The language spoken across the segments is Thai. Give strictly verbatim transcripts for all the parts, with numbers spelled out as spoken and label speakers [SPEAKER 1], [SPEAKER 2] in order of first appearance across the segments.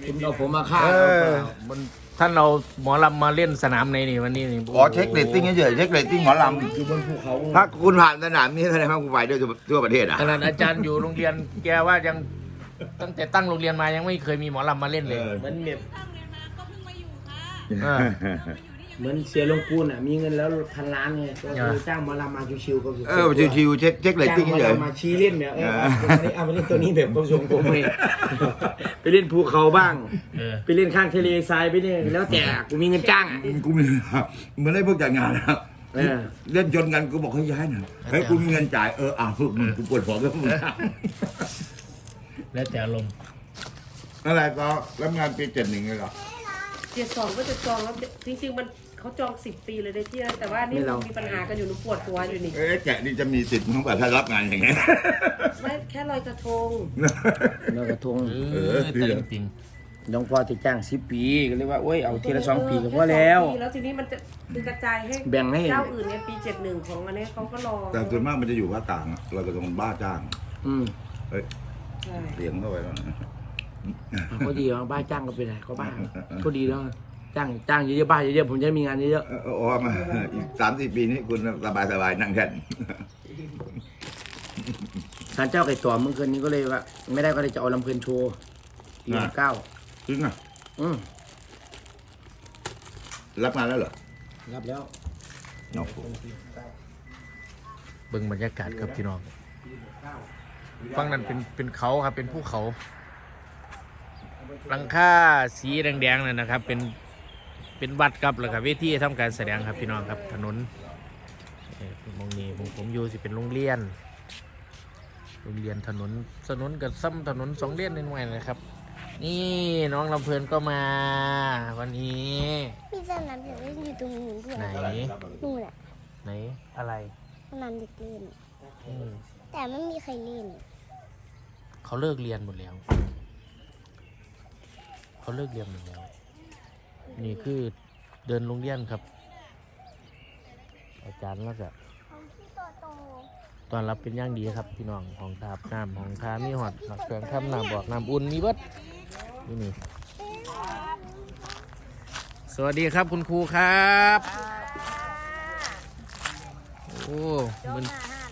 [SPEAKER 1] คุณเอาผมมาฆ่า
[SPEAKER 2] เอ
[SPEAKER 1] เรา
[SPEAKER 2] อมันท่านเราหมอลำมาเล่นสนามในนี่วันนี้นี่
[SPEAKER 3] ขอเช็คเรตติ้งเฉยๆเช็คเรตติ้งหมอล
[SPEAKER 1] อยู่บนภูเขา
[SPEAKER 3] ำถ้าคุณผ่านสนามนี้แสดงว่าคุณไปด้วยทั่วประเทศอ่ะ
[SPEAKER 2] ขนาดอาจารย์อยู่โรงเรียนแกว่ายังตั้งแต่ตั้งโรงเรียนมายังไม่เคยมีหมอลำมาเล่นเลย
[SPEAKER 1] เหมือนเมีย
[SPEAKER 2] เออ
[SPEAKER 1] เหมือนเสียลงปูนอ่ะมีเงินแล้วพันล้านไงก็คือจ้างหมอลำมาชิวๆก็คือ
[SPEAKER 3] เออชิวๆเช็คเช็คเรต
[SPEAKER 1] จ้าง
[SPEAKER 3] ติ้ง
[SPEAKER 1] หมอ
[SPEAKER 3] เฉย
[SPEAKER 1] ลำมาชี้เล่นแบบเออเอาไปเล่นตัวนี้แบบกสมกรมเลยไปเล่นภูเขาบ้าง
[SPEAKER 2] เออ
[SPEAKER 1] ไปเล่นข้างทะเลทรายไปเนี่ยแล้วแต่กูมีเงินจ้างอ่ะ
[SPEAKER 3] ๆกูมีเหมือนได้พวกจัดงานนะ
[SPEAKER 1] เออ
[SPEAKER 3] เล่นจนกันกูบอกให้ย้ายหน่อยเฮ้ยกูมีเงินจ่ายเอออ้าวมึงกูปวดหัวแล้วมึง
[SPEAKER 2] แล้วแต่อารมณ์
[SPEAKER 3] อะไรก็รับงานปีเจ็ดหนึ่งเลยเหรอ
[SPEAKER 4] เจ็ดสองก็จะจองแล้วจริงๆมันเขาจองสิบปีเลยได้ที่นั่นแต่ว่านี่มันมีปัญหากันอยู่หนูปวดหัวอยู่นี่
[SPEAKER 3] เอ๊ะแกะนี่จะมีสิทธิ์มั้งป่ะถ้ารับงานอย่างเงี้ย
[SPEAKER 4] ไม่แค่ลอยกระทง
[SPEAKER 1] แล้วกระทง
[SPEAKER 2] เออแต่จริง
[SPEAKER 1] น้องพ่อที่จ้างสิบปีก็เลยว่าโอ้ยเอาทีละสองปีก็พอแล้ว
[SPEAKER 4] ค่สองปีแล้วทีนี้มันจะมันกระจายให้
[SPEAKER 1] แบ่งให้
[SPEAKER 4] เจ้าอื่นเนี่ยปีเจ็ดหนึ่งของอันนี้เขาก็รอ
[SPEAKER 3] แต่ส่วนมากมันจะอยู่ภาคกลางอะเราจะต้องบ้าจ้าง
[SPEAKER 1] อืม
[SPEAKER 3] เฮ้ย
[SPEAKER 4] ใช่
[SPEAKER 3] เสียงเข้าไปแล้วนะ
[SPEAKER 1] ก็ดีอ่ะบ้านจ้างก็เป็นไรก็บ้านก็ดีแล้วจ้างจ้างเยอะๆบ้านเยอะๆผมจะมีงานเยอะ
[SPEAKER 3] เออโอ้มาอีกสามสี่ปีนี้คุณสบายสบายๆนั่งแท่น
[SPEAKER 1] ๆศาลเจ้าไก่ต่อเมื่อคืนนี้ก็เลยว่าไม่ได้ก็เลยจะเอาลำเพลินโชว์ปีเก้า
[SPEAKER 3] จริงอ่ะ
[SPEAKER 1] อืม
[SPEAKER 3] รับงานแล้วเหรอ
[SPEAKER 1] รับแล้ว
[SPEAKER 3] โอ้โห
[SPEAKER 2] ๆเบิ่งบรรยากาศครับพี่น้องฝั่งนั้นเป็นเป็นเขาครับเป็นภูเขาหลังคาสีแดงๆนั่นนะครับ เป็นเป็นวัดครับแล้วก็เวทีทำการแสดงครับพี่น้องครับถนนเอ่อมองนี้ผมผมอยู่สิเป็นโรงเรียนโรงเรียนถนนถนนกับซ้ำถนนสองเลนนิดหน่อยนะครับ นี่น้องลำเพลินก็มาวันนี้
[SPEAKER 5] มีสนามเด็กเล่นอยู่ตรงนู้นด้วย
[SPEAKER 2] ไหน
[SPEAKER 5] นู่นแหละ
[SPEAKER 2] ไหนอะไร
[SPEAKER 5] สนามเด็กเล่น
[SPEAKER 2] อืม
[SPEAKER 5] แต่ไม่มีใครเล่น
[SPEAKER 2] เขาเลิกเรียนหมดแล้ว เขาเลิกเรียนหมดแล้ว นี่คือเดินโรงเรียนครับ อาจารย์แล้วก็
[SPEAKER 5] ของพี่โตโต
[SPEAKER 2] ตอนรับเป็นอย่างดีครับพี่น้องของทาบน้ำของทามีหอดหลักเครื่องทำน้ำบอกน้ำอุ่นมีเบิดนี่นี่สวัสดีครับคุณครูครับโอ้มัน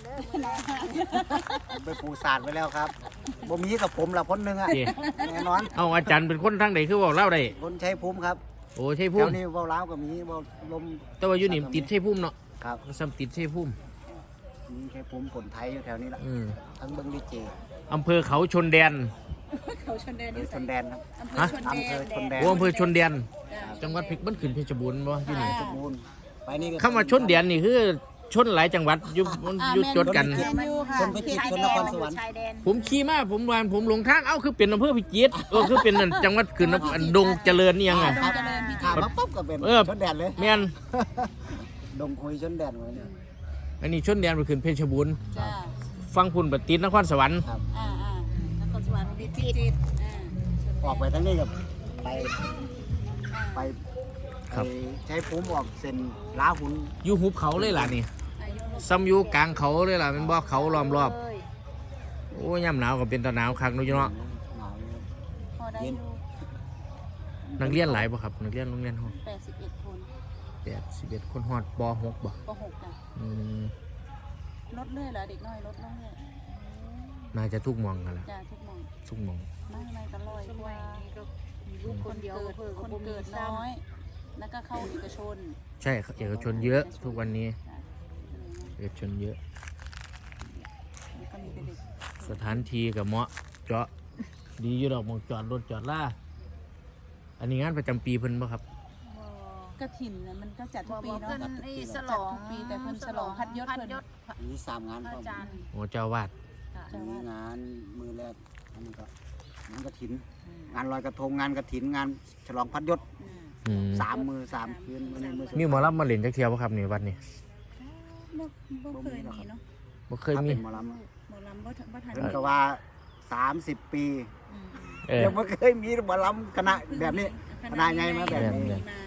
[SPEAKER 6] ไปปูศาสตร์ไปแล้วครับบ่มีกับผมละคนหนึ่งอะ
[SPEAKER 2] เจ๊
[SPEAKER 6] แน่นอน
[SPEAKER 2] เอาอาจารย์เป็นคนทางไหนคือบอกเล่าได้
[SPEAKER 6] คนใช้ภูมิครับ
[SPEAKER 2] โอ้ใช่
[SPEAKER 6] แถ
[SPEAKER 2] พุ่ม
[SPEAKER 6] วนี้เว้าล้าวก็มีเว้าลม
[SPEAKER 2] แต่ว่าอยู่นี่ติดใช่พุ่มเนาะ
[SPEAKER 6] ครับ
[SPEAKER 2] ซ้ำติดใช่พุ่ม
[SPEAKER 6] มีใช้ภูมิคนไทยอยู่แถวนี้ละ
[SPEAKER 2] อืม
[SPEAKER 6] ทั้งเบิ้งดีเจ
[SPEAKER 2] อำเภอเขาชนแดน
[SPEAKER 6] หรือชนแดนครับ
[SPEAKER 2] ฮะ
[SPEAKER 6] อำเภอชนแดน
[SPEAKER 2] โอ้อำเภอชนแดนจังหวัดเพชรบ้านขืนเพชรบูรณ์บ่อยู่นี่
[SPEAKER 6] สมบูรณ์ไปนี่ก็
[SPEAKER 2] คำว่าชนแดนนี่คือชนหลายจังหวัดอยู่อยู่จดกัน
[SPEAKER 6] ชนพิจิตรชนนครสวรรค์
[SPEAKER 2] ผมขี่มาผมวานผมหลงทางเอ้าคือเป็นอำเภอพิจิตรเออคือเป็นนั่นจังหวัดขืนอันดงเจริญนี่ยังไง
[SPEAKER 6] ครับข้ามมาปุ๊บก็เป็น
[SPEAKER 2] เออ
[SPEAKER 6] ชนแดนเลย
[SPEAKER 2] แม่น
[SPEAKER 6] ดงคุยชนแดนไว้เนี่ย
[SPEAKER 2] อันนี้ชนแดนไปขืนเพชรบูรณ์
[SPEAKER 7] จ้า
[SPEAKER 2] ฟังพุ่นบัดติดนครสวรรค์
[SPEAKER 6] ครับ
[SPEAKER 7] อ่าอ่านครสวรรค์พิจิตรอ่า
[SPEAKER 6] ออกไปทั้งนี้กับไปไป
[SPEAKER 2] ครับ
[SPEAKER 6] ไปใช้ภูมิออกเส้นล้าหุ่น
[SPEAKER 2] อยู่หุบเขาเลยล่ะนี่
[SPEAKER 7] อายุ
[SPEAKER 2] ซ้ำอยู่กลางเขาเลยล่ะเป็นบ่อเขาล้อมรอบ
[SPEAKER 7] เลย
[SPEAKER 2] โอ้ยามหนาวก็เป็นตะหนาวคักเนู้นเนาะ
[SPEAKER 6] หนาวเลย
[SPEAKER 7] พอได้อยู่
[SPEAKER 2] นักเรียนหลายบ่ครับนักเรียนโรงเรียนห้อง
[SPEAKER 7] แปดสิบเอ็ดคน
[SPEAKER 2] แปดสิบเอ็ดคนฮอดปหกบ่
[SPEAKER 7] ปหกจ้ะ
[SPEAKER 2] อืม
[SPEAKER 7] ลดเรื่อยเหรอเด็กน้อยลดลงเรื่อย
[SPEAKER 2] น่าจะทุกหมองกันละ
[SPEAKER 7] จ้าทุกหมอง
[SPEAKER 2] ทุกหมอง
[SPEAKER 7] ไม่ไม่กันลอยกว่าคนเกิดคนเกิดน้อย แล้วก็เข้าเอกชน
[SPEAKER 2] ใช่เอกชนเยอะทุกวันนี้
[SPEAKER 7] จ้ะ
[SPEAKER 2] เอกชนเยอะ
[SPEAKER 7] แล้วก็มีแต่เด็ก
[SPEAKER 2] สถานที่กับเหมาะเจาะดีอยู่ดอกหมองจอดรถจอดล่าอันนี้งานประจำปีเพิ่นบ่ครับ
[SPEAKER 7] กระถิ่นน่ะมันก็จัดทุกปีเนาะ
[SPEAKER 8] เพิ่นไอ้ฉลอง
[SPEAKER 7] จัดทุกปีแต่เพิ่นฉลองพัดยศ
[SPEAKER 8] พัด
[SPEAKER 7] เพิ่น
[SPEAKER 8] ยศ
[SPEAKER 6] มีสามงานพร้อม
[SPEAKER 8] อาจารย์
[SPEAKER 2] โอ้เจ้าวาด
[SPEAKER 6] มีงานมือแรกอันนี้ก็งานกระถิน งานลอยกระทงงานกระถินงานฉลองพัดยศ
[SPEAKER 2] อืม
[SPEAKER 6] สามมือสามคืนวันนี้มือสุด
[SPEAKER 2] มีหมอลำมาเล่นจักเที่ยวบ่ครับนี่วัดนี่
[SPEAKER 7] บ่บ่เคยมีเนาะ
[SPEAKER 2] บ่เคย
[SPEAKER 6] ถ้า
[SPEAKER 2] มี
[SPEAKER 6] เป็นหมอลำ
[SPEAKER 7] หมอลำบ่ทันบ่ทัน
[SPEAKER 6] เพิ่นก็ว่าสามสิบปี
[SPEAKER 7] อืม
[SPEAKER 2] เออ
[SPEAKER 6] ยังไม่เคยมีหมอลำคณะแบบนี้ คณะใหญ่มาแบบนี้
[SPEAKER 7] มา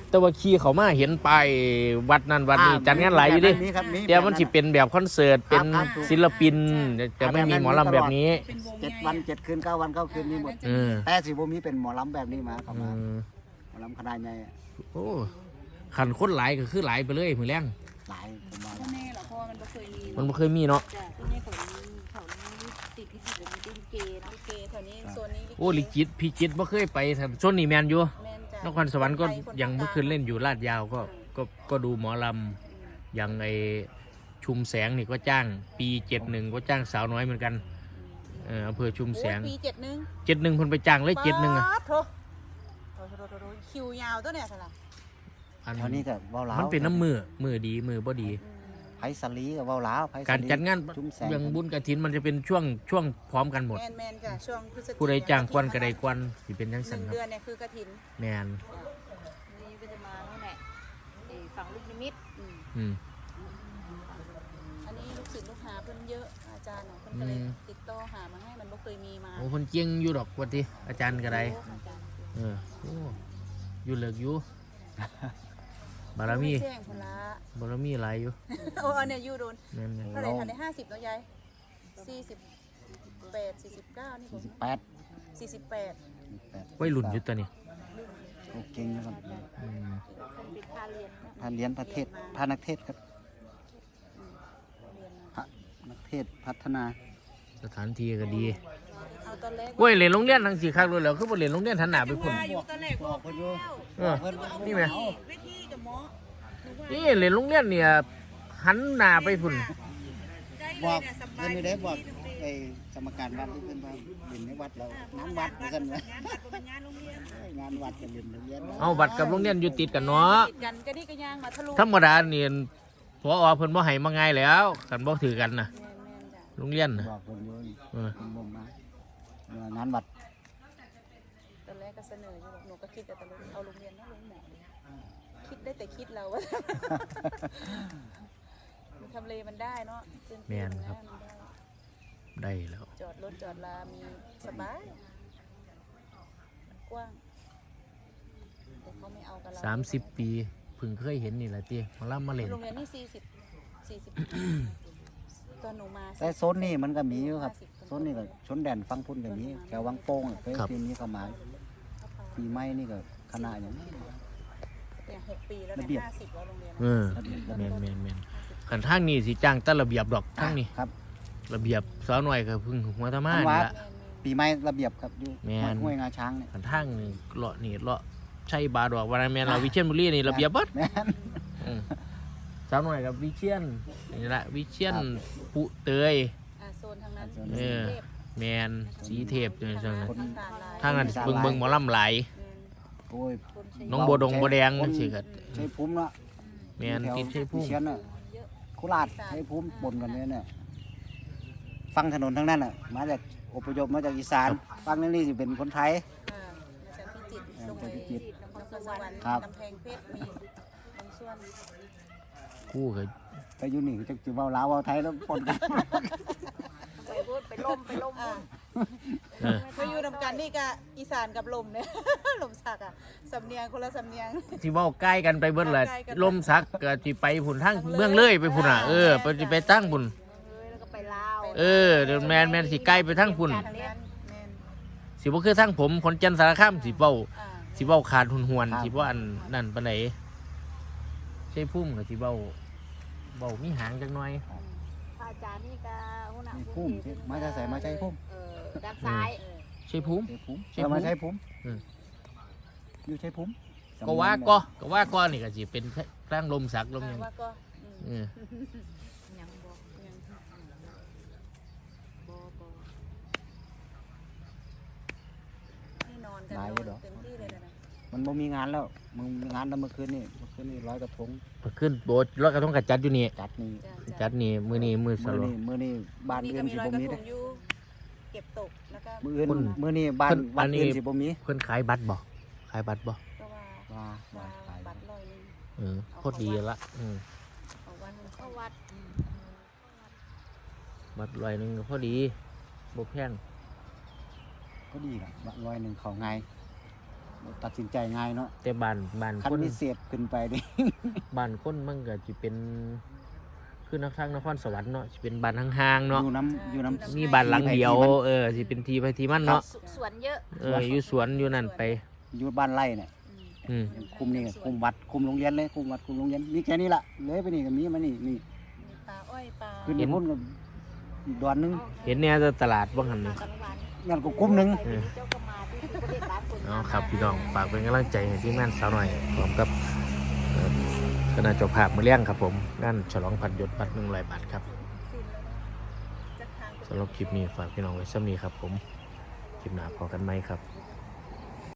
[SPEAKER 2] แต่ว่าขี่เขามาเห็นไปายวัดนั้นวัดนี้จัดงานหลายอยู่ดิ
[SPEAKER 6] มีครับมี
[SPEAKER 2] แต่มันสิเป็นแบบคอนเสิร์ตเป็น
[SPEAKER 6] ครับ
[SPEAKER 2] ศิลปินจะไม่มีหมอลำแบบนี้
[SPEAKER 7] เป็นวง
[SPEAKER 6] เจ็ด
[SPEAKER 7] ใหญ่
[SPEAKER 6] วันเจ็ดคืนเก้าวันเก้าคืนมีหมด
[SPEAKER 2] เออ
[SPEAKER 6] แต่สิบ่มีเป็นหมอลำแบบนี้มาเข้า
[SPEAKER 2] อื
[SPEAKER 6] มาม หมอลำขนาดใหญ่
[SPEAKER 2] โอ้ขันคนหลายก็คือหลายไปเลยมือแรง
[SPEAKER 6] หลายผมว่า
[SPEAKER 7] พ่อแม่เหรอเพราะว่ามันบ่เคยมี
[SPEAKER 2] มันบ่เคยมีเนาะ
[SPEAKER 7] จ้ะพ่อแม่เขานี้เขานี้ติดที่ติดแบบนี้ลิเกเนาะลิเกแถวนี้โซนนี้ลิเก
[SPEAKER 2] โอ้ลิจิตพี่จิตบ่เคยไปชนนี่แมนอยู่
[SPEAKER 7] แม่นจ้ะ
[SPEAKER 2] นครสวรรค์ก็ยังเมื่อคืนเล่นอยู่ลาดยาวก็ก็ก็ดูหมอลำอย่างไอชุมแสงนี่ก็จ้างปีเจ็ดหนึ่งก็จ้างสาวน้อยเหมือนกันเอออำเภอชุมแสง
[SPEAKER 7] โอ้ยปีเจ็ดหนึ่ง
[SPEAKER 2] เจ็ดหนึ่งคนไปจ้างเลยเจ็ดหนึ่งอะ
[SPEAKER 7] ป๊าดโถโถโถโถโถคิวยาวตัวเนี่ยสลับ
[SPEAKER 2] อัน
[SPEAKER 6] แถวนี้ก็เว้าลาว
[SPEAKER 2] มันเป็นน้ำมือมือดีมือบ่ดี
[SPEAKER 6] ไผสลีก็เว้าลาวไผสลี
[SPEAKER 2] การจัดงาน
[SPEAKER 6] จุ้มแสง
[SPEAKER 2] อย่างบุญกฐินมันจะเป็นช่วงช่วงพร้อมกันหมด
[SPEAKER 7] แมนแมนจ้ะช่วงพฤศจิก
[SPEAKER 2] ผู้ใดจ้างกวนก็ได้กวนสิเป็นจัง
[SPEAKER 7] ห
[SPEAKER 2] ซั่น
[SPEAKER 7] นึ่ง
[SPEAKER 2] ครับ
[SPEAKER 7] เดือนเนี่ยคือกระถิน
[SPEAKER 2] แมน
[SPEAKER 7] นี่ก็จะมาโน่นแหละไอ้ฝั่งลูกนิมิตอืม
[SPEAKER 2] อืม
[SPEAKER 7] อันนี้ลูกศิษย์ลูกหาเพิ่นเยอะอาจารย์เนาะเพิ่นก็เลย
[SPEAKER 2] อืม
[SPEAKER 7] ติดต่อหามาให้มันบ่เคยมีมา
[SPEAKER 2] โอ้คนเจียงอยู่ดอกว่าติอาจารย์ก็ได้
[SPEAKER 7] โอ้อาจารย์
[SPEAKER 2] เออโอ้อยู่เลิกอยู่ บารมี
[SPEAKER 7] แจ้งพุ่นละ
[SPEAKER 2] บารมีหลายอยู่
[SPEAKER 7] โอ้อันเนี่ยอยู่โดน
[SPEAKER 2] แม่น
[SPEAKER 7] เท่าไหร่ทันได้ห้าสิบเนาะยายสี่สิบแปดสี่สิบเก้านี่ผม
[SPEAKER 6] สี่สิบแปด
[SPEAKER 7] สี่สิบแปด
[SPEAKER 6] แปด
[SPEAKER 2] ๆวัยรุ่นอยู่ตัวนี้
[SPEAKER 6] โอเก่งนะครับ
[SPEAKER 2] อืม
[SPEAKER 7] คนปิดค่าเรียนนะ
[SPEAKER 6] พาเรียนประเทศพานักเทศครับ
[SPEAKER 7] เรียนมา
[SPEAKER 6] พระนักเทศพัฒนา
[SPEAKER 2] สถานที่ก็ดี
[SPEAKER 7] เอาตอนแรก
[SPEAKER 2] เว้ยเรียนโรงเรียนทั้งสี่คักเลยแล้วคือบ่เรียนโรงเรียนทันหนาไปพุ่น
[SPEAKER 7] ว่าอยู่ตอนแรกบอก
[SPEAKER 6] เพิ่นอยู่
[SPEAKER 2] เออนี่ไหม
[SPEAKER 7] เวทีกับหมอหนูว่า
[SPEAKER 2] นี่เรียนโรงเรียนเนี่ยหันหน้าไปพุ่น
[SPEAKER 7] ได้เล
[SPEAKER 6] บอก
[SPEAKER 7] ยเนี่ยส
[SPEAKER 6] เพิ่
[SPEAKER 7] บาน ย
[SPEAKER 6] ไม่ได้บอกไอ้กรรมการวัดที่เพิ่นว่าเรียนในวัดแล้วน้ำวัดว่าซั่นนะ
[SPEAKER 7] งานวัดเป็นงานโรงเรียน
[SPEAKER 6] งานวัดก็เรียนโรงเรียน
[SPEAKER 2] เอาบัตรกับโรงเรียนอยู่ติดกันเนาะ
[SPEAKER 7] ติดกันก็นี่ก็ย่างมาทะลุ
[SPEAKER 2] ธรรมดาเนี่ยพอเพิ่นบ่ให้มาง่ายแล้วกันบ่ถือกันน่ะ
[SPEAKER 7] แม่นแม่นจ้ะ
[SPEAKER 2] โรงเรียนน่ะ
[SPEAKER 6] บอกเพิ่นอยู่นี่
[SPEAKER 2] เออ
[SPEAKER 6] เพิ่นบ่มาเอองานวัด
[SPEAKER 7] ตอนแรกก็เสนออยู่หนูก็คิดแต่ตอนแรกเอาโรงเรียนนะโรงหมอดีคิดได้แต่คิดเราว่า มันทำเลมันได้เนาะพื้ที่
[SPEAKER 2] แม่นครับ
[SPEAKER 7] มันได้
[SPEAKER 2] ได้แล้ว
[SPEAKER 7] จอดรถจอดลา มีสบาย กว้าง แต่เขาไม่เอากับเรา
[SPEAKER 2] สามสิบปีเพิ่งเคยเห็นนี่แหละติมาล่ำมาเล่น
[SPEAKER 7] โรงเรียนนี่สี่สิบสี่สิบ ตอนหนูมา
[SPEAKER 6] แต่โซนนี้มันก็มีอยู่ครับโซนนี้ก็ชนแดนฟังพุ่นก็มีแถววังโป่งอะเคยทีนี้เข้ามาปีใหม่นี่ก็คณะอย่างนี้
[SPEAKER 7] เนี่ยหกปีแล้ว
[SPEAKER 6] ระ
[SPEAKER 7] เนี่ย
[SPEAKER 6] เบียบ
[SPEAKER 7] ห้าสิบแล้วโรงเรียน
[SPEAKER 2] เออแม่นแม่นแม่นขันทางนี้สิจ้างแตั้ระเบียบดอกทางนี้
[SPEAKER 6] ครับ
[SPEAKER 2] ระเบียบสาวหน่อยก็เพึ่งหัวตะมา
[SPEAKER 6] ทาง
[SPEAKER 2] นี่
[SPEAKER 6] วัด
[SPEAKER 2] ละ
[SPEAKER 6] ปีใหม่ระเบียบครับอยู่
[SPEAKER 2] แม่น
[SPEAKER 6] ห้วยงาช้างเนี่ย
[SPEAKER 2] ขันทางนี่เลาะนี่เลาะใช่บาดอกวันนั้นแม่นเราวิเชียรบุรีนี่ระเบียบเบิด
[SPEAKER 6] แม่น
[SPEAKER 2] อืมสาวหน่อยกับวิเชียนนี่ละวิเชียน
[SPEAKER 6] ครับ
[SPEAKER 2] ปุเตย
[SPEAKER 7] อ่าโซนทางนั้น
[SPEAKER 2] เออ แมนสีเทพนี่จังนั้น
[SPEAKER 7] คนทานลาย
[SPEAKER 2] ทางนั้นเบิ่งเบิ่งหมอลำหลาย
[SPEAKER 6] โอ้ย
[SPEAKER 7] คนใช้
[SPEAKER 2] น้องบัวดงบัวแดง
[SPEAKER 6] คน
[SPEAKER 2] สิก็
[SPEAKER 6] ใช้ภูมิเนาะ
[SPEAKER 2] แมนติดใช่พุ่ม
[SPEAKER 6] เชียนน่ะโคราชใช้ภูมิปนกันเลยเนี่ยฟังถนนทั้งนั้นอ่ะมาจากอพยพมาจากอีสานฟังนั่นนี่สิเป็นคนไทย
[SPEAKER 7] อ่ามาจากพิจิตร
[SPEAKER 6] เออ
[SPEAKER 7] ลงไป
[SPEAKER 6] จากพิจิตร
[SPEAKER 7] นครสวรรค์
[SPEAKER 6] ครับ
[SPEAKER 7] กำแพงเพชร มีบางส่วน
[SPEAKER 2] กู้ก็
[SPEAKER 6] แต่อยู่นี่จะจะเว้าลาวเว้าไทยแล้วปนกัน
[SPEAKER 7] ไปพูดไปล่มไปล่มอ่า
[SPEAKER 2] เออ
[SPEAKER 7] ไปอยู่นำกันนี่กะอีสานกับลมเนี่ย ลมสักอ่ะสำเนียงคนละสำเนียง
[SPEAKER 2] สิเว้าใกล้กันไปเบิดแหละ
[SPEAKER 7] ใกล้กัน
[SPEAKER 2] ลมซักก็สิไปพุ่นทางเมืองเลยไปพุ่นอ่ะเออไปสิไปตั้งพุ่น
[SPEAKER 7] แล้วก็ไปลาว
[SPEAKER 2] เออเดี๋ยวแมนแมนสิใกล้ไปทางพุ่น
[SPEAKER 7] แม่น
[SPEAKER 2] สิบ่คือทางผมคนจันทร์สารคามสิเว้า
[SPEAKER 7] อ่า
[SPEAKER 2] สิเว้าขาดหุนหวน
[SPEAKER 6] ครับ
[SPEAKER 2] สิบ่อันนั่นปานใดใช่พุ่มก็สิเว้าเว้ามีหางจักหน่อย
[SPEAKER 7] พระอาจารย์นี่ก็หัวหน้า
[SPEAKER 6] นี่ภูมิที่มาจะใส่มาใช้ภูมิ
[SPEAKER 7] เออด้านซ้าย
[SPEAKER 2] ใช่พุ่ม
[SPEAKER 6] ใช้ภูมิ
[SPEAKER 2] ใช้
[SPEAKER 6] เออ
[SPEAKER 2] ภูมิ
[SPEAKER 6] มาใช้ภูมิ
[SPEAKER 2] อืม
[SPEAKER 6] อยู่ใช้ภูมิ
[SPEAKER 2] ก็ว่าก็ก็ว่าก็นี่ก็สิเป็นทางลมสักลมหยัง
[SPEAKER 7] ว่าก็อืม
[SPEAKER 2] เออ
[SPEAKER 7] ยังบอกยังบอบอนี่นอนกันนอนเต็มที่เลยนะ
[SPEAKER 6] มันบ่มีงานแล้วมึงมีงานแล้วเมื่อคืนนี่เมื่อคืนนี่ร้อยกระทง
[SPEAKER 2] ขึ้นโบสถ์ลอยกระทงกับจัดอยู่นี่
[SPEAKER 6] จัดนี่
[SPEAKER 7] จ้ะจ้ะ
[SPEAKER 2] จัดนี่มื้อนี้มื้อส
[SPEAKER 6] มื้อ
[SPEAKER 2] โล
[SPEAKER 6] นี้มื้อนี้บ้าน
[SPEAKER 7] นี่
[SPEAKER 6] อื่
[SPEAKER 7] ก็
[SPEAKER 6] น
[SPEAKER 7] มี
[SPEAKER 6] สิ
[SPEAKER 7] รอย
[SPEAKER 6] บ่
[SPEAKER 7] กระ
[SPEAKER 6] มี
[SPEAKER 7] ท
[SPEAKER 6] เด้
[SPEAKER 7] งอยู่เก็บตกแล้วก็
[SPEAKER 6] มื้ออื่น
[SPEAKER 2] คน
[SPEAKER 6] มื้อนี้บ้าน
[SPEAKER 2] คน
[SPEAKER 6] วั
[SPEAKER 2] อั
[SPEAKER 6] ด
[SPEAKER 2] นนี้
[SPEAKER 6] อื่นสิบ่มี
[SPEAKER 2] เพิ่นขายบัตรบ่ขายบัตรบ่
[SPEAKER 7] ก็ว่า
[SPEAKER 6] ว่า
[SPEAKER 7] ว่า
[SPEAKER 6] ว่าขาย
[SPEAKER 7] บัตรลอยหนึง
[SPEAKER 2] เออโคตรดีละอืม
[SPEAKER 7] เอาวันเข้าวัด
[SPEAKER 2] บัตรร้อยหนึงก็พอดีบ่แพง
[SPEAKER 6] ก็ดีล่ะบัตรร้อยหนึงเข้าง่ายตัดสินใจง่ายเนาะ
[SPEAKER 2] แต่บ้านบ้าน
[SPEAKER 6] คัน
[SPEAKER 2] คน
[SPEAKER 6] มีเศษขึ้นไปดิ
[SPEAKER 2] บ้านคนมันก็สิเป็นคือนักทางนครสวรรค์เนาะสิเป็นบ้านห่างๆเนาะ
[SPEAKER 6] อยู่น้ำอยู่น้ำ
[SPEAKER 2] มีบ้านหลังเดียวเออสิเป็นทีไปทีมันเนาะ
[SPEAKER 7] สสวนเยอะ
[SPEAKER 2] เอออยู่สวนอยู่นั่นไป
[SPEAKER 6] อยู่บ้านไร่เนี่ย
[SPEAKER 7] อืม
[SPEAKER 2] อืม
[SPEAKER 6] คุมนี่คุมวัดคุมโรงเรียนเลยคุมวัดคุมโรงเรียนมีแค่นี้ละเลยไปนี่ก็มีมานี่นี่
[SPEAKER 7] มีปลาอ้อยปลา
[SPEAKER 6] ขึ้นไปพุ่นก็อีกดอนหนึง
[SPEAKER 2] เห็นเนี่ยตลาดบ้างหันนี่
[SPEAKER 7] กลางวัน
[SPEAKER 6] นั่นก็คุ้มหนึง
[SPEAKER 2] เออ
[SPEAKER 7] เจ้าก็มาที่ประเทศร้านคน
[SPEAKER 2] เอาครับพี่น้องฝากเป็นกำลังใจให้ทีมงานสาวหน่อยพร้อมกับเอ่อคณะเจ้าภาพมือเลี้ยงครับผมงานฉลองพันยศบัตรหนึ่งร้อยบาทครับ
[SPEAKER 7] สิ้นแล้วนะจากทาง
[SPEAKER 2] สำหรับคลิปนี้ฝากพี่น้องไว้ซ้ำนี้ครับผมคลิปหน้าพอกันไหมครับ